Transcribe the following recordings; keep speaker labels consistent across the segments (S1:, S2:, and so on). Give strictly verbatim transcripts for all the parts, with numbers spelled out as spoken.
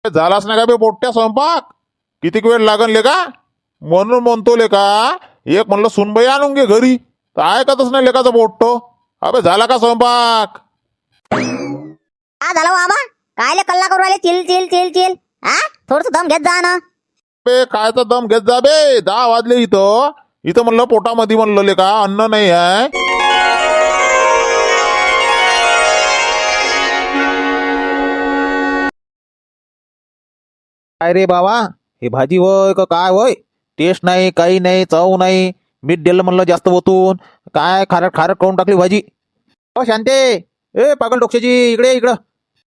S1: झालाच नाही का बे पोट्ट्या स्वयंपाक? कितीक वेळ लागन ले का? म्हणून म्हणतो ले का, एक म्हणलं सुनबाई आणून घे घरी, तर ऐकतच नाही लेकाचं पोट्ट. अबे झाला का स्वयंपाक?
S2: हा झालं बाबा. कायले कल्ला करू राहिले चिल चिल चिल चिल? हा थोडस दम घेत जा ना.
S1: बे कायचा दम घेत जा बे, दहा वाजले इथं. इथं म्हणलं पोटामध्ये म्हणलं ले का अन्न नाही आहे.
S3: काय रे बाबा, हे भाजी होय का काय होय? टेस्ट नाही, काही नाही, चव नाही. मीठ दिलं म्हणलं जास्त ओतून, काय खारट खारट करून टाकली भाजी. हो शांते, ए पागल डोक्याची, इकडे ये, इकडं.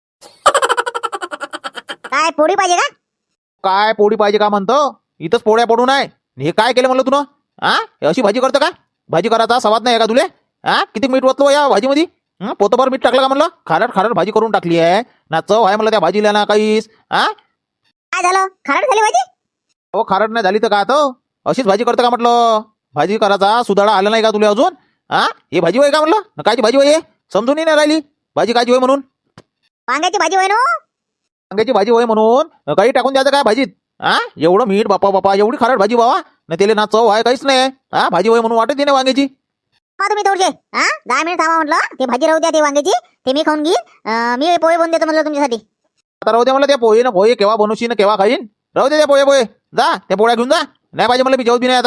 S2: काय पोळी पाहिजे का?
S3: काय पोळी पाहिजे का म्हणतो? इथंच पोळ्या पडून आहे. हे काय केलं म्हणलं तुनं? हा अशी भाजी करतं का? भाजी करायचा सवाद नाही का तुले? हा किती मीठ ओतलो या भाजीमध्ये? हं, पोतभर मीठ टाकलं का म्हणलं? खारट खारट भाजी करून टाकली आहे ना, चव आहे म्हणलं त्या भाजीला ना काहीच. हा
S2: काय झालं? खारट झाली भाजी?
S3: हो खारट नाही झाली तर काय तो? अशीच भाजी करतं का म्हटलं? भाजी करायचा सुधाडा आला नाही का तुला अजून? हा हे भाजी होय का म्हटलं? कायची भाजी होय? समजून नाही राहिली भाजी कायची होय म्हणून.
S2: वांग्याची भाजी होय ना?
S3: वांग्याची भाजी होय म्हणून काही टाकून द्यायचं काय भाजीत? हा एवढं मीठ बापा बापा, एवढी खारट भाजी बाबा ना, त्याला ना चव आहे काहीच नाही. हा भाजी होय म्हणून वाटत नाही वांग्याची.
S2: हा तुम्ही थोडसे हा दहा मिनिट थांबा म्हटलं. ते भाजी राहू द्या, ते वांग्याची ते मी खाऊन घेईन. मी पोहे बनवून देतो म्हणलं तुमच्यासाठी.
S3: आता राहू दे मला त्या पोहे ना, पोहे केव्हा बनवशी ना केव्हा खाईन. राहू दे त्या पोहे पोहे, जा त्या पोळ्या घेऊन जा. नाही पाहिजे मला, मी जेवत बी नाही आता.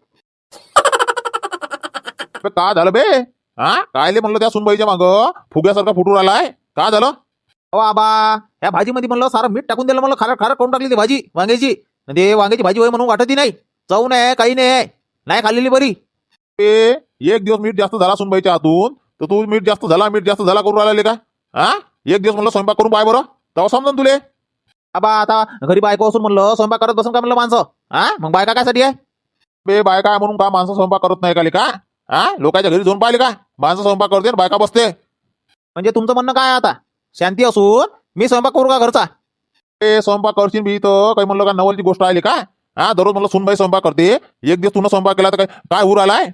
S1: बे का झालं बे? हा कायले म्हणलं त्या सुनबाईच्या माग फुग्यासारखा फुटून आलाय? का झालं?
S3: हो आबा, या भाजीमध्ये म्हणलं सारं मीठ टाकून दिलं म्हणलं, खारट खारट करून टाकली ती भाजी वांग्याची. ते वांग्याची भाजी होय म्हणून वाटतही नाही, चव नाही काही नाही, नाही खाल्लेली बरी.
S1: बे एक दिवस मीठ जास्त झाला सुनबाईच्या हातून, तर तू मीठ जास्त झाला मीठ जास्त झाला करून राहिले का? हा एक दिवस म्हणलं स्वयंपाक करून पाय बरं, तेव्हा समजून तुले.
S3: आबा आता घरी बायको असून म्हणलं स्वयंपाक करत बसून का म्हणलं माणसं? हा मग बायका कायसाठी आहे?
S1: बे बायका आहे म्हणून का माणसं स्वयंपाक करत नाही का ले का? हा लोकांच्या घरी जाऊन पाहिले का माणसं स्वयंपाक करते आणि बायका बसते?
S3: म्हणजे तुमचं म्हणणं काय आता? शांती असून मी स्वयंपाक करू का घरचा?
S1: ते स्वयंपाक करशील बी तर काही म्हणलं का नवलची गोष्ट आली का? हा दररोज म्हणलं सुनबाई स्वयंपाक करते, एक दिवस तुला स्वयंपाक केला तर काय काय उर आलाय?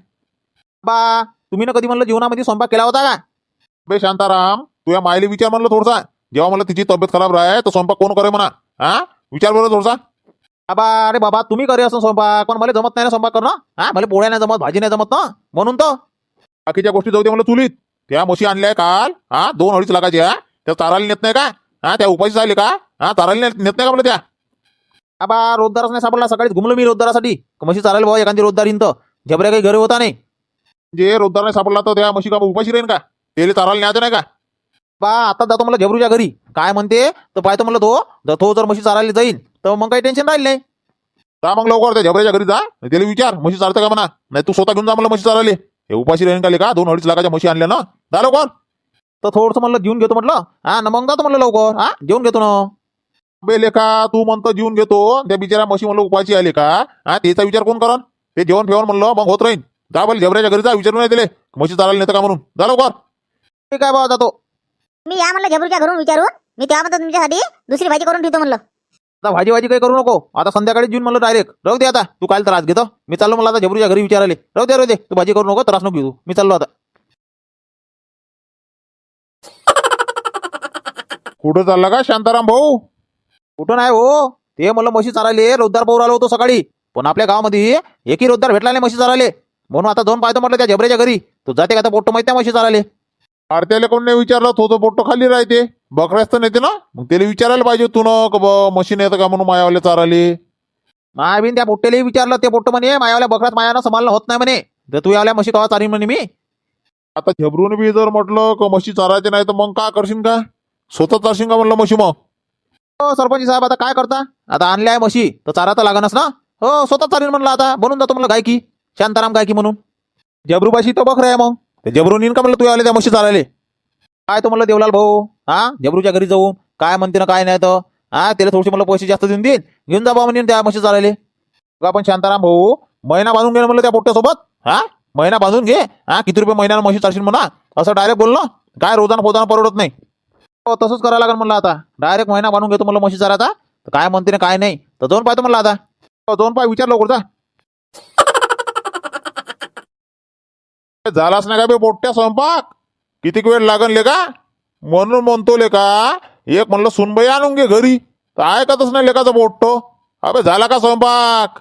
S3: बा तुम्ही ना कधी म्हणलं जीवनामध्ये स्वयंपाक केला होता का?
S1: बे शांताराम, तुझ्या मायले विचार म्हणलं थोडसा. जेव्हा म्हणलं तिची तब्येत खराब राहे तर स्वयंपाक कोण करे म्हणा? हा विचार बरं थोडसा.
S3: आबा अरे बाबा, तुम्ही करे असं स्वयंपाक, पण मला जमत नाही ना स्वयंपाक करणं. हा मला पोळ्या नाही जमत, भाजी नाही जमत ना, म्हणून तर.
S1: बाकीच्या गोष्टी जाऊ दे म्हणलं चुलीत. त्या म्हशी आणल्या काल, हा दोन अडीच लाखाच्या, त्या चारायला नेत नाही का? हा त्या उपाशी झाले का? हा चारायला नेत नेत नाही का म्हणलं त्या?
S3: आबा रोजदारच नाही सापडला, सकाळीच घुमलो मी रोजदारासाठी. म्हशी चालायला भाऊ एखादी रोजदार येईन तर झबऱ्या काही घरी होता नाही.
S1: जे रोजदार नाही सापडला तर त्या म्हशी का उपाशी राहीन का? तेले चारायला न्यायचं नाही का?
S3: बा आता जातो मला झबरूच्या घरी, काय म्हणते तर पाहतो म्हणलं तो. जर तो जर म्हशी चारायला जाईल तर मग काही टेन्शन राहील नाही.
S1: जा मग लवकर त्या झबऱ्याच्या घरी जा, त्याला विचार म्हशी चालतं का म्हणा. नाही तू स्वतः घेऊन जा म्हणलं म्हशी चारायला. हे उपाशी राहीन का ले का? दोन अडीच लाखाच्या म्हशी आणल्या ना, जा लवकर.
S3: तर थोडंसं म्हणलं जेवून घेतो म्हटलं. हा ना मग जातो म्हणलं लवकर. हा जेवून घेतो ना.
S1: बे लेखा तू म्हणतो जीवन घेतो, त्या बिचारा म्हशी म्हणलं उपाशी आले का? हा त्याचा विचार कोण करन? ते जेवण फेवण म्हणलं मग होत राहीन. जा बोल झबऱ्याच्या घरी जा, विचारून नाही दिले म्हशी चारायला नेतं का म्हणून. जा लवकर.
S3: ठीक आहे बाबा जातो.
S2: मी या म्हणलं झबरूच्या घरून विचारून, मी तेव्हा तुमच्यासाठी दुसरी भाजी करून ठेवतो म्हणलं.
S3: आता भाजी भाजी काही करू नको, आता संध्याकाळी जेवून म्हणलं डायरेक्ट. राहू दे आता, तू काल त्रास घेतो. मी चाललो मला आता झबरूच्या घरी विचारायला. राहू दे राहू दे, तू भाजी करू नको, त्रास नको घेऊ. मी चाललो आता.
S1: कुठं चालला का शांताराम भाऊ?
S3: कुठं नाही हो, ते म्हणलं म्हशी चारायले रोजदार पोर आलो होतो सकाळी, पण आपल्या गावामध्ये एकही रोजदार भेटला नाही म्हशी चारायले. म्हणून आता जाऊन पाहतो म्हटलं त्या झबऱ्याच्या घरी. तू जाते का? पोट्ट माहिती आहे म्हशी चारायले?
S1: अरे त्याला कोण नाही विचारलं, तो तो पोट्ट खाली राहते. बकऱ्याच तर नेते ना, मग त्याला विचारायला पाहिजे तू न ब मशीन येतं का म्हणून मायावाले चाराले.
S3: मायाबीन त्या पोट्टेलाही विचारलं, ते पोट्ट म्हणे मायावाल्या बकऱ्यात मायानं सांभाळणं होत नाही म्हणे, तर तू यावल्या म्हशी कवा चारीन म्हणे मी.
S1: आता झबरून बी जर म्हटलं का म्हशी चारायचे नाही तर मग काय करशील का? स्वतः चारशील का म्हणलं म्हशी मग?
S3: हो सरपंच साहेब, आता काय करता? आता आणल्या आहे म्हशी तर चारा तर लागणच ना. हो स्वतः चारीन म्हणलं, आता बनून जातो म्हणलं गायकी, शांताराम गायकी म्हणून. जबरूपाशी तर बकऱ्या आहे, मग ते जबरून येईन का म्हणलं तू आले त्या म्हशी चारायले? काय तो म्हणलं देवलाल भाऊ, हा जबरूच्या घरी जाऊन काय म्हणते ना काय नाही तर हा त्याला थोडेसे म्हणलं पैसे जास्त देऊन देईन, घेऊन जा बा म्हणून त्या म्हशी चारायले. आपण शांताराम भाऊ महिना बांधून घे म्हणलं त्या पोट्ट्यासोबत. हा महिना बांधून घे, हा किती रुपये महिन्यानं म्हशी चारशील म्हणा, असं डायरेक्ट बोललो. काय रोजाना पोताना परवडत नाही. हो तसंच करायला लागेल म्हणलं, आता डायरेक्ट महिना बांधून घेतो म्हणलं म्हशी चारायचा. तर काय म्हणते ना काय नाही तर जाऊन पाहतो म्हणलं आता.
S1: हो, जाऊन पाय, विचार लवकर जा. झालाच नाही का बे पोट्ट्या स्वयंपाक? कितीक वेळ लागन ले का? म्हणून म्हणतो ले का, एक म्हणलं सुनबाई आणून घे घरी, तर तर ऐकतच नाही लेकाचा पोट्टो. अबे झाला का स्वयंपाक?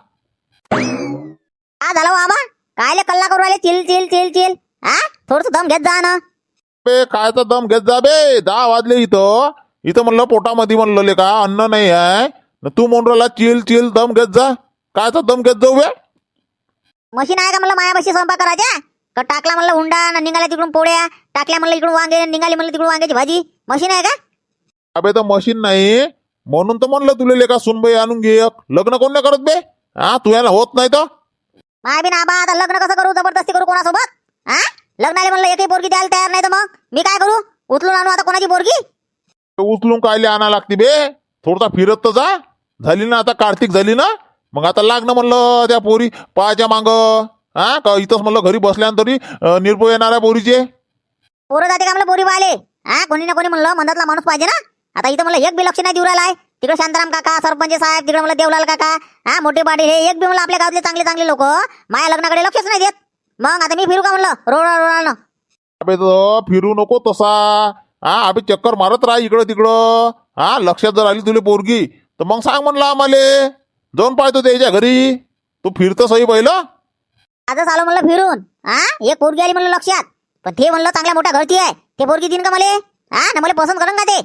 S2: हा झालं हो आबा. कायले कल्ला करू राहिले चिल चिल चिल चिल. हा थोडस दम घेत जा ना.
S1: बे कायचा दम घेत जा बे. दहा वाजले इथं इथं म्हणलं पोटामध्ये म्हणलं लेका अन्न नाही आहे न तू म्हणून राहिला चिल चिल दम घेत जा. कायचा दम घेत जाऊ बे?
S2: मशीन आहे का म्हणलं मायापाशी स्वयंपाक करायच्या? का टाकला म्हणलं हुंडा न निघाल्या तिकडून पोळ्या, टाकल्या म्हणलं इकडून वांगे निघाली म्हणलं तिकडून वांग्याची भाजी. मशीन आहे का?
S1: अबे तर मशीन नाही म्हणून तर म्हणलं तुला लेका सुनबाई आणून घे एक. लग्न कोण नाही करत बे? हा तू याला होत नाही तर
S2: माय बी ना आबा आता लग्न कसं करू? जबरदस्ती करू कोणासोबत? हा लग्नाला म्हणलं एकही पोरगी द्यायला तयार नाही तर मग मी काय करू? उचलून आणू आता कोणाची पोरगी?
S1: उचलून कायले आणा लागते बे? थोडसा फिरत तर जा. झाली ना आता कार्तिक झाली ना मग आता लागणं म्हणलं त्या पोरी पायाच्या मांग. हा का इथंच म्हणलं घरी बसल्यानंतर तरी अं, निर्भय येणार आहे पोरीचे.
S2: पोरं जाते का म्हणलं पोरी पाहिले? हा कोणी ना कोणी म्हणलं मधातला माणूस पाहिजे ना. आता इथं म्हणलं एक बी लक्ष नाही देऊ राहिला आहे. तिकडे शांताराम काका, सरपंच साहेब, तिकडे म्हणलं देवलाल काका, हा मोठे पाटील, हे एक बी म्हणलं आपल्या गावातले चांगले चांगले लोक माझ्या लग्नाकडे लक्षच नाही देत. मग आता मी फिरू का म्हणलं रोड रोड?
S1: अबे तर फिरू नको तसा. हा अबे चक्कर मारत राहा इकडं तिकडं. हा लक्षात जर आली तुला पोरगी तर मग सांग म्हणलं आम्हाले जाऊन पाहतो त्याच्या घरी. तू फिरतं सही पहिलं.
S2: आजच आलो म्हणलं फिरून. हा एक पोरगी आली म्हणलं लक्षात. पण ते म्हणलं चांगल्या मोठ्या घरची आहे. ते पोरगी देईन का मले? हा ना मला पसंत करून का ते?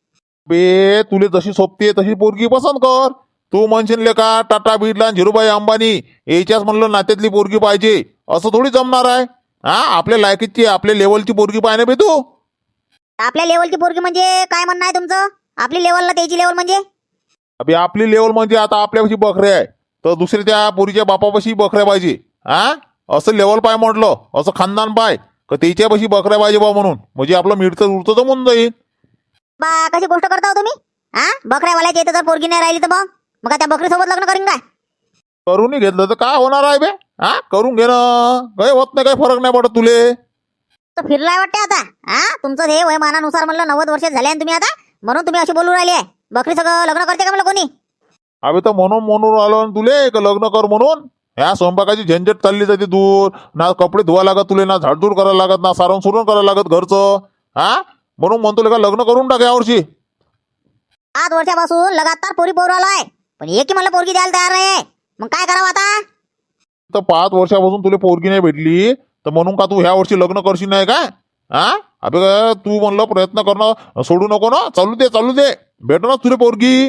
S1: बे तुले जशी सोबते तशी पोरगी पसंत कर. तू म्हणशील ले का टाटा बिर्ला झिरूभाई अंबानी याच्याच म्हणलं नात्यातली पोरगी पाहिजे असं थोडी जमणार आहे. हा आपल्या लायकीची आपल्या लेवलची पोरगी पाहिजे बे तू.
S2: आपल्या लेवलची पोरगी म्हणजे काय म्हणणं आहे तुमचं? आपली लेवलला त्याची लेवल म्हणजे?
S1: अबे आपली लेवल म्हणजे आता आपल्यापाशी बकऱ्या आहे तर दुसऱ्या त्या पोरीच्या बापापाशी बकऱ्या पाहिजे. हा असं लेवल पाय म्हटलं असं खानदान पाय का त्याच्यापाशी बकऱ्या पाहिजे बा म्हणून म्हणजे आपलं मिळतं उरतं तर म्हणून जाईल.
S2: बा कशी गोष्ट करता हो तुम्ही? हा बकऱ्यावाल्याच्या इथं जर पोरगी नाही राहिली तर मग मग काय त्या बकरीसोबत लग्न करीन काय?
S1: करूनही घेतलं तर काय होणार आहे बे? हा करून घे ना. काही होत नाही, काही फरक नाही पडत तुले.
S2: तर फिरलाय वाटते आता. हा तुमचं हे वयमानानुसार म्हणलं नव्वद वर्ष झाले आणि तुम्ही आता म्हणून तुम्ही अशी बोलू राहिले आहे. बकरी सगळं लग्न करते का म्हणलं कोणी?
S1: अबे तर म्हणून म्हणून आलो ना तुले का लग्न कर म्हणून. ह्या स्वयंपाकाची झंझट चालली जाते दूर. ना कपडे धुवा लागत तुले, ना झाडझूड करायला लागत, ना सारण सुरण करायला लागत घरचं. हा म्हणून म्हणतो का लग्न करून टाक यावर्षी.
S2: आठ वर्षापासून लगातार पोरी पोर आलाय पण एकही म्हणलं पोरगी द्यायला तयार नाही. मग काय करावं आता?
S1: तर पाच वर्षापासून तुला पोरगी नाही भेटली तर म्हणून का तू ह्या वर्षी लग्न करशील नाही का? हा अबे का तू म्हणलं प्रयत्न करणं सोडू नको ना. चालू दे चालू दे भेटणार तुला पोरगी.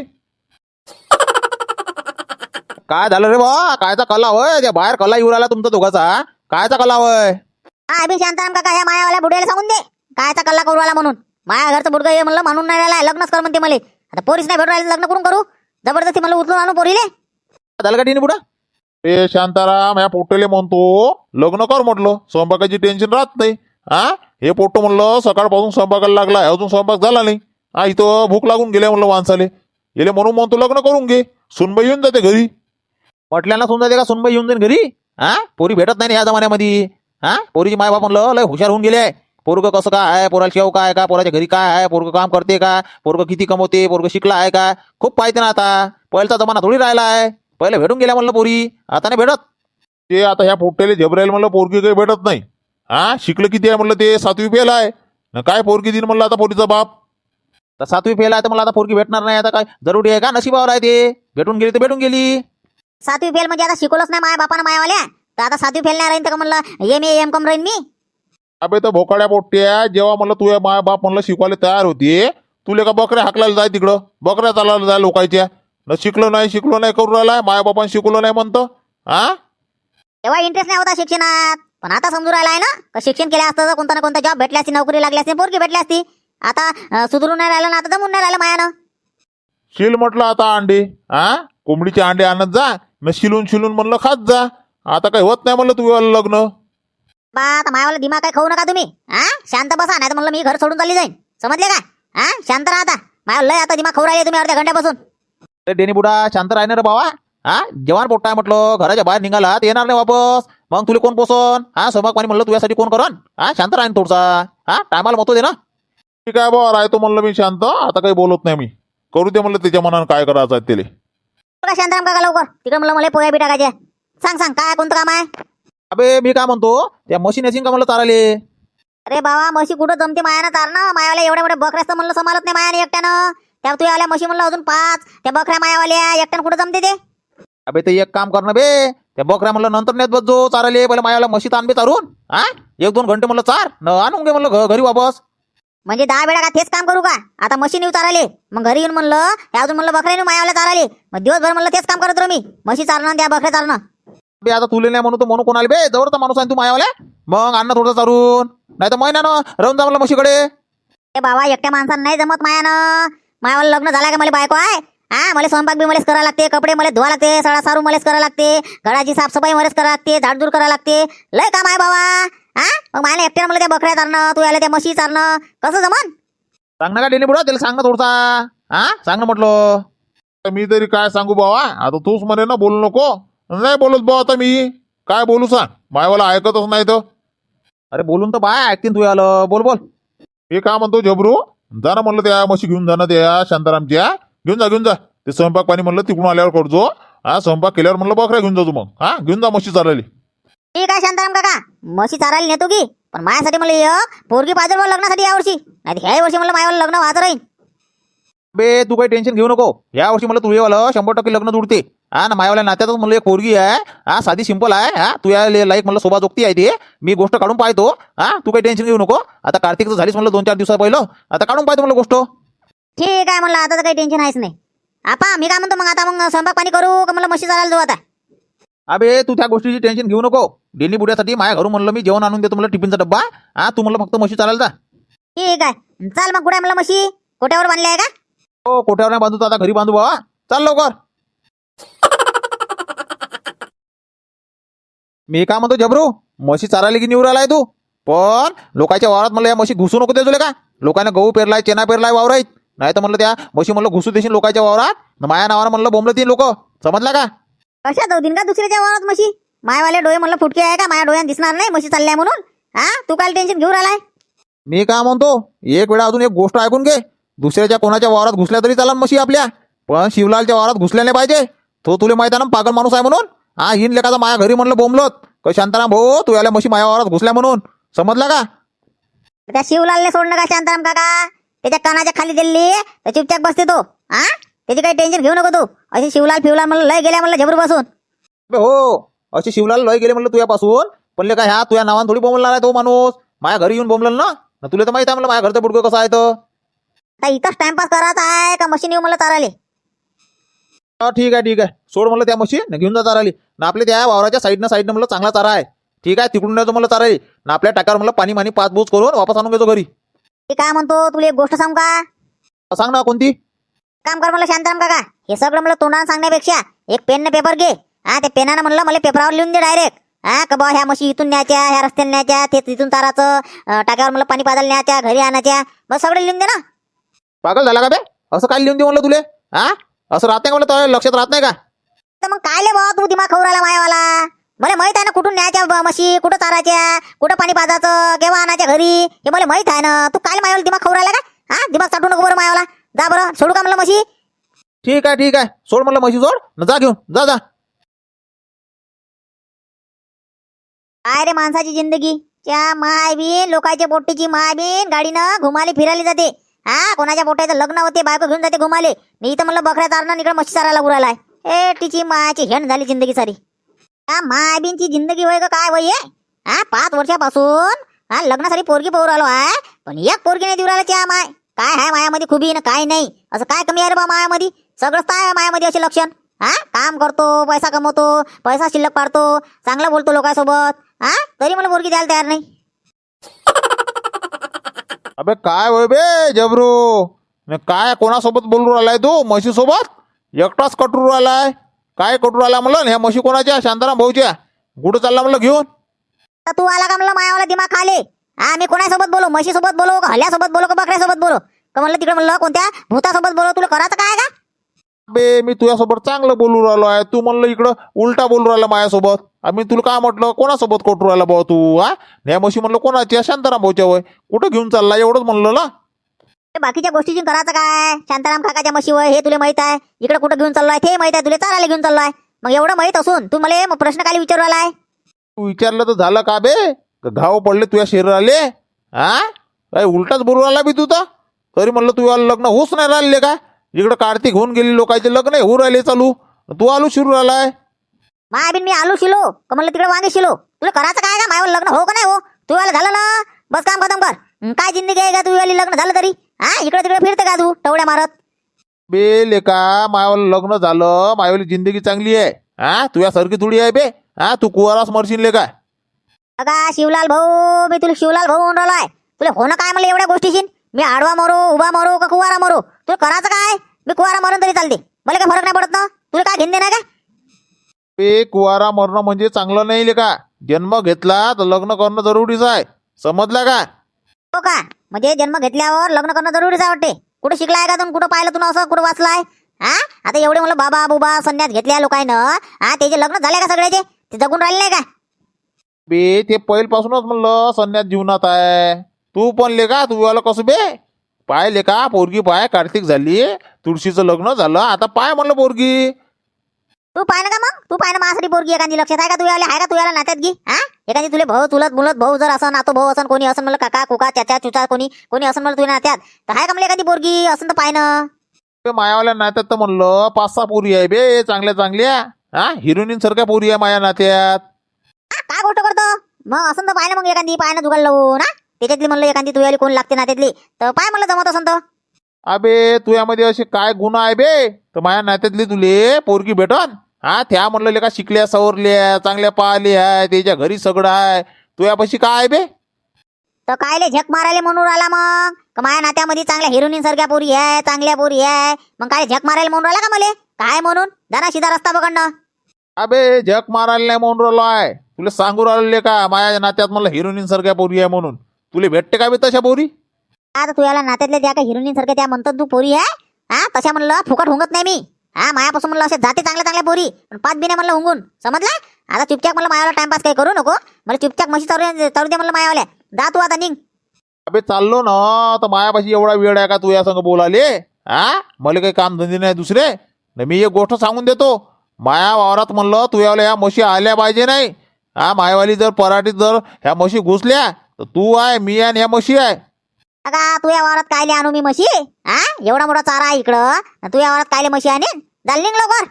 S3: काय झालं रे बा? कायचा कला होय? त्या बाहेर कला येऊ राहिला तुमचा दोघाचा. कायचा कला होय?
S2: हा अभि शांताराम काका ह्या मायावाल्या बुड्याला सांगून दे कायचा कल्ला करू राहिला म्हणून. माया घरचं बुडगं हे म्हणलं मानून नाही राहिला लग्नच कर म्हणते मला. आता पोरीच नाही भेटू राहिली लग्न करून करू जबरदस्ती मला उचलून आणू पोरीले.
S3: झालं का टिनी बुडा?
S1: ए शांताराम या पोट्टेले म्हणतो लग्न कर म्हटलं स्वयंपाकाची टेन्शन राहत नाही. हा हे पोट्ट म्हणलं सकाळपासून स्वयंपाकाला लागलाय अजून स्वयंपाक झाला नाही. हा इथं भूक लागून गेल्या म्हणलं माणसाले. येले म्हणून म्हणतो लग्न करून घे. सुनबाई येऊन जाते घरी.
S3: म्हटल्यानं सुन जाते का सुनबाई येऊन जाईन घरी? हा पोरी भेटत नाही ना या जमान्यामध्ये. हा पोरीची माय बाप म्हणलं लय हुशार होऊन गेले. पोरग कसं काय आहे, पोराला शेव काय आहे का, पोराच्या घरी काय आहे, पोरग काम करते का, पोरग किती कमवते, पोरग शिकला आहे का, खूप पाहिजे ना. आता पहिल्याचा जमाना थोडी राहिला आहे. पहिले भेटून गेल्या म्हणलं पोरी आता नाही भेटत.
S1: ते आता ह्या पोट्टेले झबरायला म्हणलं पोरगी काही भेटत नाही. हा शिकलं किती आहे म्हणलं ते सातवी फेल आहे न काय पोरगी दिन म्हणलं आता पोरीचा बाप.
S3: तर सातवी फेल आहे तर मला आता पोरगी भेटणार नाही. आता काय जरुरी आहे का? नशिबावर आहे ते. भेटून गेली तर भेटून गेली.
S2: सातवी फेल म्हणजे आता शिकवलंच नाही माया बापानं मायावाल्या तर आता सातवी फेल नाही राहीन तर म्हणलं एम ए एम कम राहीन मी.
S1: अबे तर भोकाड्या पोट्ट्या जेव्हा म्हणलं तुझ्या माय बाप म्हणलं शिकवायला तयार होती तुले का बकऱ्या हाकलायला जाय तिकडं बकऱ्या चालायला जाय लोकांच्या. न शिकलो नाही शिकलो नाही करून राहिलाय माय बापान शिकवलं नाही म्हणतं. हा
S2: तेव्हा इंटरेस्ट नाही होता शिक्षणात पण आता समजून राहिलाय ना का शिक्षण केलं असतं तर कोणता ना कोणता जॉब भेटली असती नोकरी लागली असती पोरगी भेटली असती. आता अं, सुधरून नाही राहिलं ना आता जमून नाही राहिलं मायानं.
S1: शिल म्हटलं आता अंडे. हा कोंबडीचे अंडे आणत जा न शिलून शिलून म्हणलं खात जा. आता काही होत नाही म्हणलं तुझं लग्न.
S2: बा आता मायावाला दिमाग काय खाऊ नका तुम्ही. हा शांत बसा नाही तर म्हणलं मी घर सोडून चालली जाईन समजले का? हा शांत राहा आता. माया लय आता दिमाग खाऊ राहिले तुम्ही अर्ध्या घंट्यापासून.
S3: अरे डेनी बुडा शांत राहणार रे बाबा. हा जवान पोट्टा आहे म्हटलं घराच्या बाहेर निघाला तर येणार नाही वापस. मग तुला कोण पोसन? हा स्वयंपाक पाणी म्हणलं तुझ्यासाठी कोण करण? हा शांत राहीन थोडसा. हा टायमाला मतो दे ना.
S1: ठीक आहे बा राहतो म्हणलं मी शांत. आता काही बोलत नाही मी. करू दे म्हणलं त्याच्या मनानं काय करायचं आहे त्याला.
S2: बघा शांताराम काका लवकर तिकडे म्हणलं मला पोया बी टाकायचे. सांग सांग काय कोणतं काम आहे?
S3: अबे मी काय म्हणतो त्या मशीन येशील का म्हणलं चाराले?
S2: अरे बाबा म्हशी कुठं जमते मायानं चारणं. मायाला एवढ्या एवढ्या बकऱ्याचं म्हणलं सांभाळत नाही मायाने एकट्यानं. त्या तू आल्या म्हशी म्हणलं अजून पाच, त्या बकऱ्या मायावाल्या एकट्यानं कुठं जमते ते?
S3: अबे ते एक काम कर ना बे, त्या बकऱ्या म्हणलं नंतर नेत बस जो चाराले, पहिले मायाला म्हशीत आण बे चारून. हा एक दोन घंटे म्हणलं चार न आणून घे म्हणलं घ- घरी वापस.
S2: म्हणजे दहा वेळा का तेच काम करू का? आता म्हशी नेऊ चाराले, मग घरी येऊन म्हणलं हे अजून म्हणलं बकऱ्या नेऊ मायावाल्या चाराले, मग दिवसभर म्हणलं तेच काम करत राहू मी, म्हशी चारणं आणि त्या बकऱ्या चारणं.
S3: बे आता तुले नाही म्हणू तर म्हणू कोणाला बे, जवळचा माणूस आहे तू मायावाल्या, मग अन्न थोडं चारून, नाही तर महिन्यानं राहून जा म्हणलं म्हशीकडे.
S2: ए बाबा एकट्या माणसानं नाही जमत मायानं. मायावाला लग्न झालं का मला बायको आहे? हा मला स्वयंपाक बी मलाच करावं लागते, कपडे मलाच धुवा लागते, सडा सारू मलाच करावं लागते, घराची साफसफाई मलाच करावं लागते, झाडझूड करावं लागते, लय काम आहे बाबा. हा मग मला एकट्यानं मला त्या बकऱ्या चारणं, तू याला त्या म्हशी चारणं कसं जमन?
S3: सांग ना का डेली बुडा, त्याला सांग ना थोडसा. हा सांग ना म्हटलं.
S1: मी तरी काय सांगू बाबा, आता तूच म्हणे ना बोलू नको. नाही बोलत भाऊ, आता मी काय बोलू सांग, मायवाला ऐकतच नाही तर.
S3: अरे बोलून तर बाय ऐकतीन तू आलं, बोल बोल.
S1: मी काय म्हणतो झबरू, जा ना म्हणलं त्या म्हशी घेऊन जा ना त्या शांतारामच्या, घेऊन जा घेऊन जा. ते स्वयंपाक पाणी म्हणलं तिकडून आल्यावर करजो. हा स्वयंपाक केल्यावर म्हणलं बकऱ्या घेऊन जा तू मग. हा घेऊन जा म्हशी चालली.
S2: ठीक आहे शांताराम काका, म्हशी चारायला नेतो की, पण माझ्यासाठी मला एक पोरगी पाहिजे बा लग्नासाठी यावर्षी, नाही ह्या वर्षी म्हणलं मायावाला लग्न व्हायचं राहील.
S3: बे तू काही टेन्शन घेऊ नको, या वर्षी मला तुझेवालं शंभर टक्के लग्न जुडते. हा ना मायावाल्या नात्यातच म्हणलं एक पोरगी आहे, हा साधी सिंपल आहे, हा तू या लाईक म्हणलं शोभा जोगती आहे ते, मी गोष्ट काढून पाहतो. हा तू काही टेन्शन घेऊ नको, आता कार्तिकचं झालीच म्हणलं दोन चार दिवसा पहिलं, आता काढून पाहतो म्हणलं गोष्ट.
S2: ठीक आहे म्हणलं, आता तर काही टेन्शन आहेच नाही. आपा मी काय म्हणतो मग, आता मग स्वयंपाक पाणी करू का म्हणलं म्हशी चारायला जाऊ आता?
S3: अबे तू त्या गोष्टीची टेन्शन घेऊ नको, डेली बुड्यासाठी माझ्या घरून म्हणलं मी जेवण आणून देतो म्हणलं टिफिनचा डब्बा. हा तू म्हणलं फक्त म्हशी चालायला जा.
S2: ठीक आहे चाल मग. कुठे म्हणलं म्हशी? कोट्यावर बांधल्या आहे का?
S3: हो कोठ्यावर नाही बांधू, आता घरी बांधू बाबा, चाल लवकर. मी काय म्हणतो जबरू, म्हशी चारायला की निवड आलाय तू, पण लोकांच्या वावरात म्हणलं या म्हशी घुसू नको देजोले का. लोकांना गहू पेरलाय, चेना पेरलाय वावरात, नाही तर म्हणलं त्या म्हशी म्हणलं घुसू देशील लोकांच्या वावरात, न माया नावानं म्हणलं बोंबलं तीन लोक, समजला का?
S2: कशा जाऊ दिन का दुसऱ्याच्या वावरात म्हशी? मायवाले डोळे म्हणलं फुटके आहे का? माझ्या डोळ्यात दिसणार नाही म्हशी चालल्या म्हणून. हा तू काय टेन्शन घेऊन राहिलाय?
S3: मी काय म्हणतो, एक वेळा अजून एक गोष्ट ऐकून घे, दुसऱ्याच्या कोणाच्या वावरात घुसल्या तरी चालन म्हशी आपल्या, पण शिवलालच्या वावरात घुसल्या नाही पाहिजे. तो तुला माहिती आहे ना पागल माणूस आहे म्हणून. हा हिन लेखाचा माझ्या घरी म्हणलं बोंबलत का शांताराम भाऊ तू याला म्हशी माझ्या वावरात घुसल्या म्हणून, समजला का?
S2: त्या शिवलालने सोडणं का शांताराम काका? त्याच्या कानाच्या खाली दिल्ली तर चुपचाप बसते तो. हा त्याची काही टेन्शन घेऊ नको तू. अशी शिवलाल फिवलाल म्हणलं लय गेल्या म्हणलं झबरू बसून.
S3: बे हो अशी शिवलाल लय गेले म्हणलं तुझ्यापासून, पण ले काय ह्या तुझ्या नावानं थोडी बोंबलणार आहे तो माणूस, माझ्या घरी येऊन बोंबल ना. न तुला तर माहिती आहे म्हणलं माझ्या घरचं बुडकं कसं आहे तर.
S2: आता इथंच टाइमपास करायचा आहे का मशीन येऊ मला चाराले?
S3: हा ठीक आहे ठीक आहे, सोड म्हणलं त्या म्हशी न घेऊन जा चाराली ना, आपल्या त्या वावराच्या साईडनं साईडनं म्हणलं चांगला चारा आहे. ठीक आहे तिकडून नाही म्हणलं चाराली ना, आपल्या टाकावर म्हणलं पाणी मानी पाच बूज करून वापस आणून घेतो घरी.
S2: मी काय म्हणतो तुला एक गोष्ट सांगू का?
S3: सांग ना कोणती?
S2: काम कर म्हणलं शांताराम काका, हे सगळं म्हणलं तोंडानं सांगण्यापेक्षा एक पेन पेपर घे. हा त्या पेनानं म्हणलं मला पेपरावर लिहून दे डायरेक्ट. हा का बा ह्या म्हशी इथून न्यायच्या, ह्या रस्त्याने न्यायच्या, ते तिथून चाराचं टाक्यावर म्हणलं पाणी पाजायला न्यायच्या, घरी आणायच्या, बस सगळं लिहून दे ना.
S3: पागल झाला का बे? असं काय लिहून दे म्हणलं तुले? हा असं राहत नाही म्हणलं, तर लक्षात राहत नाही का?
S2: तर मग काय ले बाबा तू दिमाग खाऊ राहिला मायावाला? मला माहित आहे ना कुठून न्यायच्या ब- म्हशी, कुठं चारायच्या, कुठं पाणी पाजायचं, केव्हा आणायच्या घरी, हे मला माहित आहे ना. तू काय मायावाला दिमाग खाऊ राहिला का? हा दिमाग चाटू नको बरं मायावाला. जा बरं सोडू का म्हणलं म्हशी?
S3: ठीक आहे ठीक आहे, सोड म्हणलं म्हशी सोड न जा घेऊन जा जा.
S2: काय रे माणसाची जिंदगी, त्या माय बीन लोकांच्या पोट्टीची माय बीन गाडीनं घुमाली फिरायला जाते. हा कोणाच्या पोट्याचं लग्न होते, बायको घेऊन जाते घुमाले. मी इथं म्हणलं बकऱ्या चारणं, इकडे म्हशी चारायला उरायलाय. ए तिची मायाची हेण झाली जिंदगी सारी. हा माय बीनची जिंदगी वय का काय वय आहे? हा पाच वर्षापासून हा लग्नासाठी पोरगी पोर आलो आहे, पण एक पोरगी नाही देऊ राहिला त्या माय. काय आहे मायामध्ये खुबी ना काय नाही, असं काय कमी आहे रे बा मायामध्ये? सगळंच काय आहे मायामध्ये असे लक्षण. हा काम करतो, पैसा कमवतो, पैसा शिल्लक पाडतो, चांगला बोलतो लोकांसोबत, हा तरी मला पोरगी द्यायला तयार नाही.
S1: अबे काय होय बे जबरू, न काय कोणासोबत बोलू राहिलाय तू? म्हशी सोबत एकटाच कटरू राहिलाय? काय कटरू राहिला म्हणलं? ह्या म्हशी कोणाच्या? शांताराम भाऊच्या. कुठं चालला म्हणलं घेऊन?
S2: तर तू आला का म्हणलं मायावाला दिमाग खाले? हा मी कोणासोबत बोलू? म्हशीसोबत बोलू का हल्यासोबत बोलू का बकऱ्यासोबत बोलू का म्हणलं तिकडे म्हणलं कोणत्या भूतासोबत बोलू? तुला करायचं काय का?
S1: बे मी तुझ्यासोबत चांगलं बोलू राहिलो आहे, तू म्हणलं इकडं उलटा बोलू राहिला माझ्यासोबत. आम्ही तुला काय म्हटलं? कोणासोबत कटरू राहिला भाऊ तू? हा ह्या म्हशी म्हणलं कोणाच्या? शांताराम भाऊच्या वय. कुठं घेऊन चालला एवढंच म्हणलं ना.
S2: ते बाकीच्या गोष्टीची करायचं काय? शांताराम काकाच्या म्हशीवर हे तुला माहित आहे, इकडे कुठं घेऊन चाललोय ते माहित आहे, तुला चारायला घेऊन चाललोय. मग एवढं माहित असून तू मला मग प्रश्न काय विचारू आलाय?
S1: तू विचारलं तर झालं का बे? घाव पडले तुझ्या शरीराले? हा काय उलटाच बोलू राहिला बी तू तर? तरी म्हणलं तुझ्या लग्न होऊच नाही राहिले का? इकडं कार्तिक होऊन गेली लोकांचे लग्न होऊ राहिले चालू तू आलू शिरू राहिलाय
S2: माय बिन मी आलू शिलो का म्हणलं तिकडे वांगे शिलो तुला करायचं काय का मायावर लग्न हो का नाही हो तू याला झालं ना बस काम खतम कर हं, काय जिंदगी आहे का तू याली लग्न झालं तरी हा इकडे तिकडे फिरते का तू टवड्या मारत
S1: बे लेका मायावाला लग्न झालं मायावाली जिंदगी चांगली आहे हा तुझ्यासारखी थोडी आहे बे हा तू कुवारास मरशील लेका
S2: अगा शिवलाल भाऊ मी तुला शिवलाल भाऊ म्हणून राहिलोय तुला होणं काय म्हणलं एवढ्या गोष्टीशी मी आडवा मरू उभा मरू का कुवारा मरू तुला करायचं काय मी कुवारा मरून तरी चालते मला काय फरक नाही पडत ना तुला काय घेणं नाही का
S1: बे कुवारा मरणं म्हणजे चांगलं नाही लेका जन्म घेतला तर लग्न करणं जरुरीच आहे समजला का
S2: हो का म्हणजे जन्म घेतल्यावर लग्न करणं जरुरीच आहे वाटते कुठं शिकलाय का तुम्ही कुठं पाहिलं तुला असं कुठं वाचलाय हा आता एवढे म्हणलं बाबा बुबा संन्यास घेतल्या लोकांनं हा त्याचे लग्न झाले का सगळ्याचे ते जगून राहिले नाही का
S1: बे ते पहिल्यापासूनच म्हणलं संन्यास जीवनात आहे तू पण लेका तू आलं कसं बे पाय लेका पोरगी पाय कार्तिक झाली तुळशीचं लग्न झालं आता पाय म्हणलं पोरगी
S2: तू पाय ना का मग तू पाय ना माझ्यासाठी पोरगी एखादी लक्षात आहे का तू याला आहे का तू याला नात्यात घे हा एखादी तुले भाऊ चुलत मुलत भाऊ जर असं नातो भाऊ असं कोणी असं म्हणलं काका कुका चाचा चुचा कोणी कोणी असं म्हणलं तुझ्या नात्यात तर आहे का म्हणलं एखादी पोरगी असं तर पाय ना
S1: बे मायावाल्या नात्यात तर म्हणलं पाच सहा पोरी आहे बे चांगल्या चांगल्या हा हिरोईन सारख्या पोरी आहे माया नात्यात
S2: हा, काय गोष्ट करतो मग असं तर पाय ना मग एखादी पाय ना जुगाड लावून ना त्याच्यातली म्हणलं एखादी तू याली कोण लागते नात्यातली तर पाय म्हणलं जमत असं तर
S1: अबे तुझ्यामध्ये असे काय गुण आहे बे तर माया नात्यातली तुले पोरगी भेटन हा त्या म्हणलं लेका शिकल्या सवरल्या चांगल्या पाहिल्या आहे त्याच्या घरी सगळं आहे तुझ्यापाशी काय आहे बे
S2: तर कायले झक मारायला म्हणून राहिला मग का माझ्या नात्यामध्ये चांगल्या हिरोईन सारख्या पोरी आहे चांगल्या पोरी आहे मग काय झक मारायला म्हणून राहिला का मले काय म्हणून जाना सीधा रस्ता पकडणं
S1: अबे जग मारायला नाही म्हणून राहिलो आहे तुला सांगू राहिले का माया नात्यात म्हणलं हिरोईन सारख्या पोरी आहे म्हणून तुला भेटते का बे तशा पोरी
S2: आता तू याला नात्यातल्या ज्या काही हिरोईन सारख्या त्या म्हणतात तू पोरी आहे हा तशा म्हणलं फुकट हुंगत नाही मी हा मायापासून म्हणलं असे जाते चांगल्या चांगल्या पोरी पण पाच बिना म्हणलं हुंगून समजला आता चुपचाप म्हणलं मायावाला टाइमपास काही करू नको मला चुपचाप म्हशी चालू चालू दे म्हणलं मायावाल्या जा तू आता निघ
S1: अबे चाललो ना तर मायापाशी एवढा वेळ आहे का तू या संग बोलाले हा मला काही काम धंदे नाही दुसरे न मी एक गोष्ट सांगून देतो माया वावरात म्हणलं तू यावल्या ह्या म्हशी आल्या पाहिजे नाही हा मायावाली जर पराठीत जर ह्या म्हशी घुसल्या तर तू आहे मी आणि ह्या म्हशी आहे
S2: अगा तू या वावरात कायले आणू मी म्हशी हा एवढा मोठा चारा आहे इकडं न तू या वावरात कायले म्हशी आणीन चाल निघ लवकर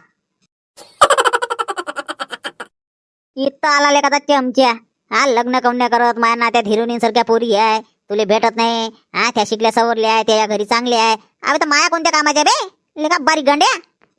S2: इथं आला लेखाचा चमच्या हा लग्न कवण्या करत माझ्या नात्यात हिरोईन सारख्या पोरी आहे तुले भेटत नाही हा त्या शिकल्या सवरल्या आहे त्या घरी चांगल्या आहे अबे तर माया कोणत्या कामाच्या बे लेखा बारीक गंड्या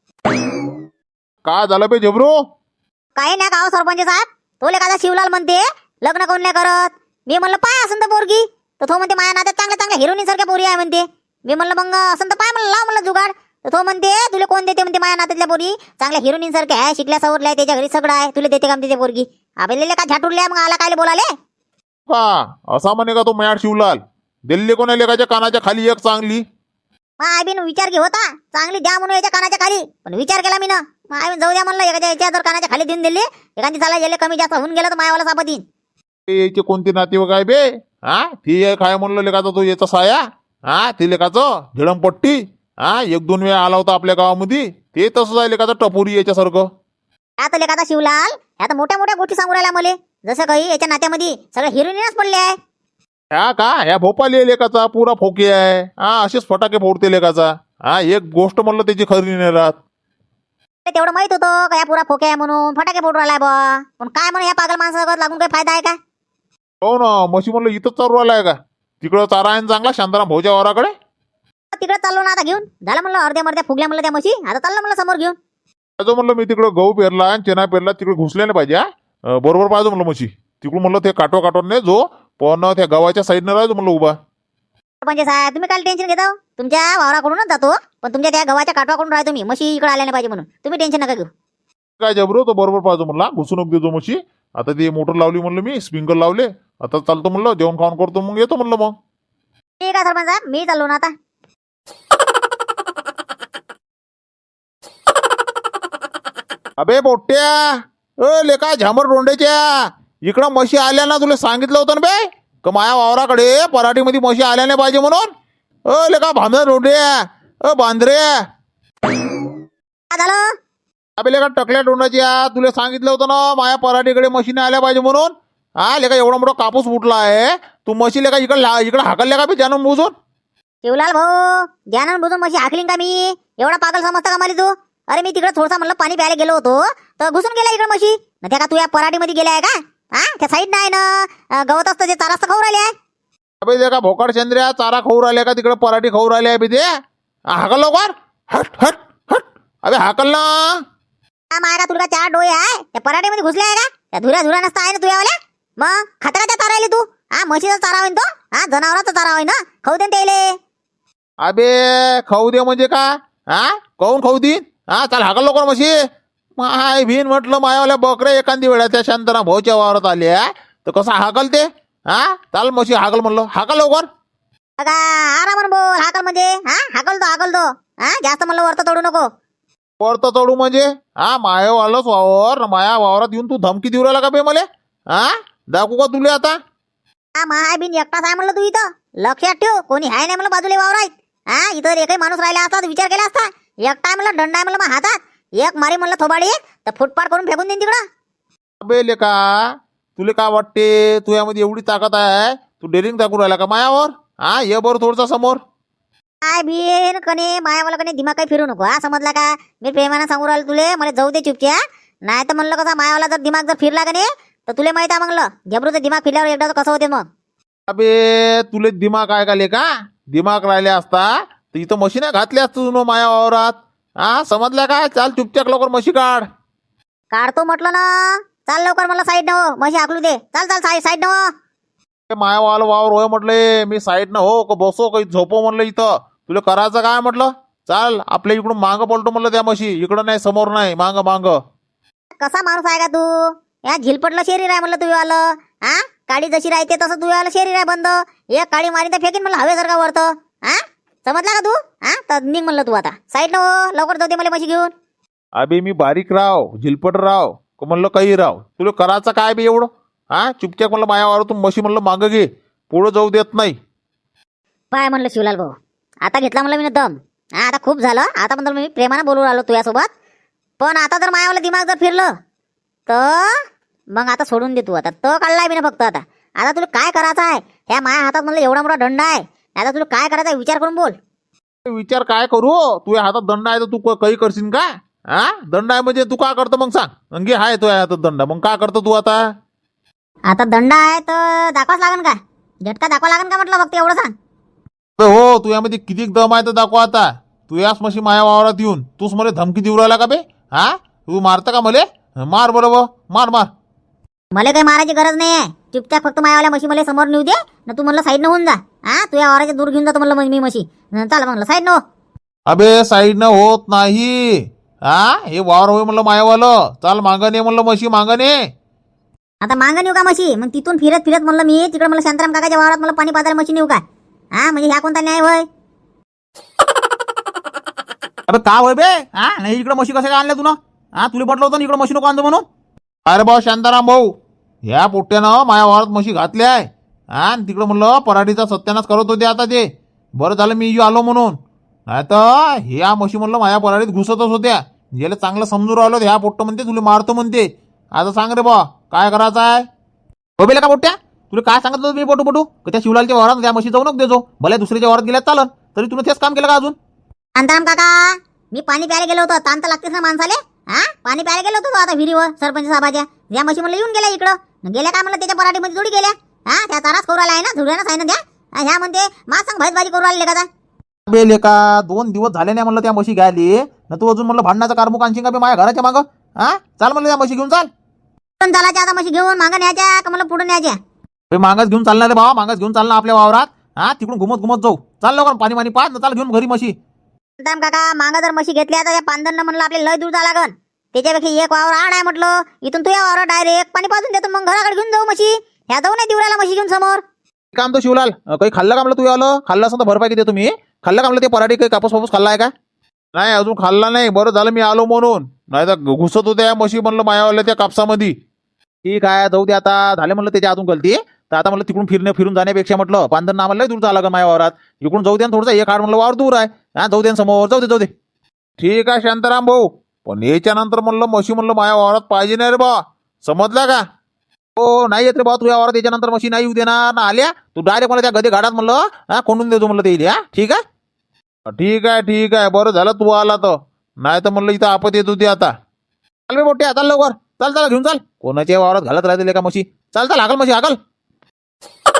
S1: काय झालं बे जबरू
S2: काही नाही गाव सरपंच साहेब तो लेखाचा शिवलाल म्हणते लग्न कोण नाही करत मी म्हणलं पाय असं तर पोरगी तर तो म्हणते माझ्या नात्यात चांगल्या चांगल्या हिरोईन सारख्या पोरी आहे म्हणते मी म्हणलं मग असं तर पाय म्हणलं लाव म्हणलं जुगाड तर तो म्हणते तुला कोण देते म्हणते माझ्या नात्यातल्या पोरी चांगल्या हिरोईन सारख्या आहे शिकल्या सवरल्या आहे त्याच्या घरी सगळं आहे तुला देते का तिथे पोरगी आपल्याला का झाटुरल्या मग आला काय बोलाले
S1: का असा म्हणे का तो मॅट शिवलाल दिल्ली कोणा लेखाच्या कानाच्या खाली एक चांगली
S2: मग आय बिन विचार घे होता चांगली द्या म्हणून याच्या कानाच्या खाली पण विचार केला मी ना मग आय बिन जाऊ द्या म्हणलं एखाद्या याच्या जर कानाच्या खाली देऊन दिली एखादी चाला गेले कमी जास्त होऊन गेलं तर मायावाला सापत येईन
S1: ते याचे कोणते नातेवाईक आहे बे हा ती एक आहे म्हणलं लेखाचा तो याचा साया हा ती लेखाचं झिडमपट्टी हा एक दोन वेळा आला होता आपल्या गावामध्ये ते तसंच आहे लेखाचं टपोरी याच्यासारखं
S2: आता लेखाचा शिवलाल आता मोठ्या मोठ्या गोष्टी सांगू राहिल्या मले जसं काही याच्या नात्यामध्ये सगळं हिरोईनच पडले आहे
S1: ह्या का ह्या भोपाली लेखाचा पुरा फोके आहे हा असेच फटाके फोडते लेखाचा हा एक गोष्ट म्हणलं त्याची खरी नाही राहत
S2: ते तेवढं माहित होतं का या पुरा फोके आहे म्हणून फटाके फोडू राहिलाय बा पण काय म्हणून या पागल माणसासोबत लागून काही फायदा आहे का
S1: हो ना म्हशी म्हणलं इथंच चालू राहिलाय का तिकडं चारा आहे ना चांगला शांताराम भाऊच्या वाराकडे
S2: तिकडे चाललो ना आता घेऊन झालं म्हणलं अर्ध्या मर्ध्या फुगल्या म्हणलं त्या म्हशी आता चाललं म्हणलं समोर घेऊन
S1: जो म्हणलं मी तिकडं गहू पेरला आणि चेना पेरला तिकडे घुसले नाही पाहिजे हा. अं, बरोबर पाहिजे म्हणलं म्हशी तिकडून म्हणलं ते काटवा काटवा नाही जो पण त्या गावाच्या साईडनं राहायचो म्हणलं उभा
S2: म्हणजे साहेब तुम्ही काय टेन्शन घेता तुमच्या वावराकडूनच जातो पण तुमच्या त्या गव्हाच्या काटवाकडून राहतो तुम्ही म्हशी इकडे आल्या नाही पाहिजे म्हणून तुम्ही टेन्शन नका घेऊ
S1: काय जबरो तो बरोबर पाहिजे म्हणला घुसून देतो म्हशी आता ती मोटर लावली म्हणलं मी स्प्रिंकल लावले आता चालतो म्हणलं जेवण खाऊन करतो मग येतो म्हणलं मग
S2: ठीक आहे सरपंच साहेब मी चाललो ना आता
S1: अबे पोट्ट्या अ लेका झामर डोंड्याच्या इकडं म्हशी आल्या ना तुला सांगितलं होतं ना बे का माया वावराकडे पराठीमध्ये म्हशी आल्या नाही पाहिजे म्हणून अ लेका भामर डोंड्या अ बांद्रे
S2: काय झालं
S1: अबे लेका टकल्या डोंडाच्या तुला सांगितलं होतं ना माया पराठीकडे म्हशीने आल्या पाहिजे म्हणून हा लेका एवढा मोठा कापूस फुटला आहे तू म्हशी लेका इकडे इकडे हाकलल्या का बे जाणून बुजून
S2: शिवलाल भाऊ ज्ञानान बुजून म्हशी हाकलीन का मी? एवढा पागल समजता का मला तू? अरे मी तिकडे थोडसा म्हणलं पाणी प्यायला गेलो होतो तर घुसून गेला इकडे म्हशी. न त्या का तू या पराठीमध्ये गेल्या आहे का? हा त्या साईड नाही ना अं, गवत असतं ते चारा असतं खाऊ राहिले आहे.
S1: अबे ते का भोकाड चंद्र्या चारा खाऊ राहिले का तिकडे पराठी खाऊ राहिले आहे बे ते? आ, हाकल लवकर. हट हट हट. अबे हाकल ना.
S2: हा मायरा तुला चार डोळे आहे त्या पराठीमध्ये घुसले आहे का? त्या धुऱ्या धुऱ्या नसता आहे ना तुझ्यावाल्या. मग खाता का त्या चारा राहिले तू? हा म्हशीचा चारा होईन तो. हा जनावरांचा चारा होईन ना खाऊ दे त्याले.
S1: अबे खाऊ दे म्हणजे का? हा काऊन खाऊ देईन? हा चाल हाकल लवकर म्हशी. माय भीन म्हटलं मायावाल्या बकऱ्या एखादी वेळा त्या शांताराम भाऊच्या वावरात आल्या तर कसं हाकल ते? हा चाल म्हशी हाकल म्हणलं हाकल लवकर.
S2: बघा आराम बोल. हाकल म्हणजे हा हाकल तो हाकल तो. हा जास्त म्हणलं वरत तोडू नको.
S1: परत चढू म्हणजे हा मायावालंच वावर माया वावरात येऊन तू धमकी देऊ राहिला का बे मले? हा दाखवू का तुले आता?
S2: हा माय बिन एकटाच आहे म्हणलं तू इथं. लक्षात ठेव कोणी आहे नाही म्हणलं बाजूला वावर आहेत. हा इथं एकही माणूस राहिला असता तर विचार केला असता. एकटा आहे म्हणलं दंड आहे म्हणलं मग हातात. एक मारी म्हणलं थोबाडी तर फुटपाट करून फेकून देईन तिकडं.
S1: अबे लेका तुले काय वाटते तू यामध्ये एवढी ताकद आहे तू डेरिंग दाखवू राहिला का मायावर? हा ये बरं थोडसा समोर.
S2: काय बिन कने मायावाला कने दिमाग काही फिरू नको. हा समजला का? मी प्रेमानं सांगू राहिलो तुले मला जाऊ दे चुपच्या. नाही तर म्हणलं कसं मायावाला जर दिमाग जर फिरला का नाही तर तुले माहित आहे म्हणलं झबरूचं दिमाग फिरल्यावर एकदा तर कसं होते मग.
S1: अबे तुले दिमाग आहे का लेका? दिमाग राहिले असता तर इथं मशीन घातली असतं तुझं माया वावरात. हा समजल्या का? चाल चुपचाप लवकर म्हशी काढ.
S2: काढतो म्हटलं ना. चाल लवकर म्हणलं साईड न हो. म्हशी हाकलू दे. चाल चाल साईड साईड न हो.
S1: माया वाल वावर होय म्हटले मी साईड न हो का बसो काही झोपो म्हणलं इथं. तुला करायचं काय म्हटलं? चाल आपल्या इकडून मागं पलटो म्हणलं त्या म्हशी. इकडं नाही समोर नाही मांग मांग.
S2: कसा माणूस आहे का तू? या झिलपटलं शरीर आहे म्हणलं तुझं आलं. हा काळी जशी राहते तसं तुझं आलं शरीर आहे बंद. एक काळी मारी तर फेकीन म्हणलं हवेसारखा वरतं. हा समजला का तू? हा तर निघ म्हणलं तू आता साईड न हो. लवकर जाऊ दे मला म्हशी घेऊन.
S1: अबे मी बारीक राव झिलपट राव का म्हणलं काही राव तुला करायचं काय बे एवढं? हा चुपचाप म्हणलं माया वावरातून म्हशी म्हणलं मागं घे. पुढं जाऊ देत नाही.
S2: पाय म्हणलं शिवलाल भाऊ आता घेतला म्हणलं मी दम. हा आता खूप झालं. आता म्हणलं मी प्रेमानं बोलू राहिलो तुझ्यासोबत. पण आता जर मायावाला दिमाग जर फिरलं तर मग आता सोडून दे तू. आता तो काढलाय मी ना फक्त. आता आता तुला काय करायचं आहे? ह्या माया हातात म्हणलं एवढा मोठा दंड आहे. आता तुला काय करायचं आहे विचार करून बोल.
S1: विचार काय करू? तुझ्या हातात दंड आहे तर तू क- काही करशील का? हा दंड आहे म्हणजे तू काय करतो मग सांग. अंगी हाय तुझ्या हातात दंड मग काय करतो तू आता?
S2: आता दंड आहे तर दाखवाच लागन का? झटका दाखवा लागन का म्हटलं फक्त एवढं सांग.
S1: तर हो तुझ्यामध्ये किती दम आहे तर दाखव आता. तू याच म्हशी माया वावरात येऊन तूच मला धमकी देऊ राहिला का बे? हा तू मारता का मले? मार बरोबर मार मार.
S2: मला काही मारायची गरज नाही आहे. चुपचाप फक्त मायावाल्या म्हशी मला समोर नेऊ दे ना. तू म्हणलं साईड न होऊन जा. हा तुझ्या वावराच्या दूर घेऊन जातो म्हणलं मी म्हशी. चाल म्हणलं साईड न.
S1: अबे साईडनं होत नाही. हा हे वावर होय म्हणलं मायावालं. चाल मागं ने म्हणलं म्हशी मागं ने.
S2: आता मागं नेऊ का म्हशी? मग तिथून फिरत फिरत म्हणलं मी तिकडे मला शांताराम काकाच्या वावरात मला पाणी पाजायला म्हशी नेऊ का? हा म्हणजे ह्या कोणता न्याय होय?
S3: अबे का होय बे? हा नाही इकडे म्हशी कशा काय आणल्या तू ना? हा तुला म्हटलं होतं ना इकडे म्हशी नको आणतो म्हणून.
S1: अरे भाऊ शांताराम भाऊ ह्या पोट्ट्यानं माया वावरात म्हशी घातल्या आहे. हा आणि तिकडं म्हणलं पराठीचा सत्यानाश करत होते आता ते. बरं झालं मी आलो म्हणून. नाही तर ह्या म्हशी म्हणलं माया पराठीत घुसतच होत्या. ज्याला चांगलं समजून राहिलो ह्या पोट्ट म्हणते तुला मारतो म्हणते. आता सांग रे बा काय करायचं आहे?
S3: हो बेला का पोट्ट्या तुला काय सांगितलं होतं मी पोटू पोटू का त्या शिवलालच्या वावरात त्या म्हशी जाऊ नको देजो. भले दुसऱ्याच्या वावरात गेल्यात चालन तरी तुला तेच काम केलं का अजून?
S2: शांताराम काका मी पाणी प्यायला गेलो होतो. ताण तर लागतेच ना माणसाले. हा पाणी प्यायला गेलो होतो आता विहिरीवर सरपंच साहेबाच्या. या म्हशी म्हणलं येऊन गेल्या इकडं. गेल्या काय म्हणलं त्याच्या पराठीमध्ये जोडी गेल्या. हा त्या चाराच करू राहिला आहे ना धुड्यानं आहे ना त्या. हा, ह्या म्हणते मा सांग भाजी भाजी करू राहिले का?
S3: बे लेका दोन दिवस झाले नाही म्हणलं त्या म्हशी घ्यायली ना तू अजून म्हणलं भांडणाचा कारमुक आणशील का बे माझ्या घराच्या मागं? हा चाल म्हणलं त्या म्हशी घेऊन चाल.
S2: पण चालायच्या आता म्हशी घेऊन मागं न्यायच्या का मला पुढे न्यायच्या?
S3: बे मागच घेऊन चालणार रे भावा मागच घेऊन चालणार आपल्या वावरात. हा तिकडून घुमत घुमत जाऊ. चाल लवकर पाणी पाणी पाच चाल घेऊन घरी म्हशी.
S2: शांताराम काका मागं जर म्हशी घेतल्या तर त्या पांदरनं म्हणलं आपले लय दूर जा लागन. त्याच्यापेक्षा एक वावर आड आहे म्हटलं इथून तुझ्या वावर डायरेक्ट पाणी पाजून देतो मग घराकडे घेऊन जाऊ म्हशी. ह्या जाऊ नाही दिवराला म्हशी घेऊन समोर.
S3: काम तो शिवलाल अं, काही खाल्लं का म्हणलं तू आलं खाल्लं असं तर भरपाई देतो तुम्ही. खाल्लं का म्हणलं ते पराठी काही कापूस वापूस खाल्ला आहे का?
S1: नाही अजून खाल्ला नाही. बरं झालं मी आलो म्हणून. नाही तर घुसत होत्या या म्हशी म्हणलं मायावाल्या त्या कापसामध्ये.
S3: ठीक आहे जाऊ दे आता झाले म्हणलं त्याच्या आतून गलती. तर आता म्हणलं तिकडून फिरणे फिरून जाण्यापेक्षा म्हटलं पांधर ना म्हणलं दूर झाला का माझ्या वावरात. इकडून जाऊ दे ना थोडंसं एक आड म्हणलं वावर दूर आहे. हा जाऊ दे ना समोर जाऊ दे जाऊ दे.
S1: ठीक आहे शांताराम भाऊ पण याच्या नंतर म्हणलं म्हशी म्हणलं माया वावरात पाहिजे नाही रे बा. समजला का?
S3: हो नाही येत रे भाऊ तुझ्या वावरात याच्यानंतर मशी नाही येऊ देणार ना आल्या तू डायरेक्ट मला त्या गदे घाटात म्हणलं हा कोंडून देतो म्हणलं ते इथे, हा ठीक आहे.
S1: ठीक आहे ठीक आहे बरं झालं तू आला तर, नाही तर म्हणलं इथं आपत येत होती आता.
S3: चाल बे मोठे चाल लवकर चाल चाल घेऊन चाल कोणाच्या वावरात घालत राहते का मशी चाल चाल हाकल मशी हाकल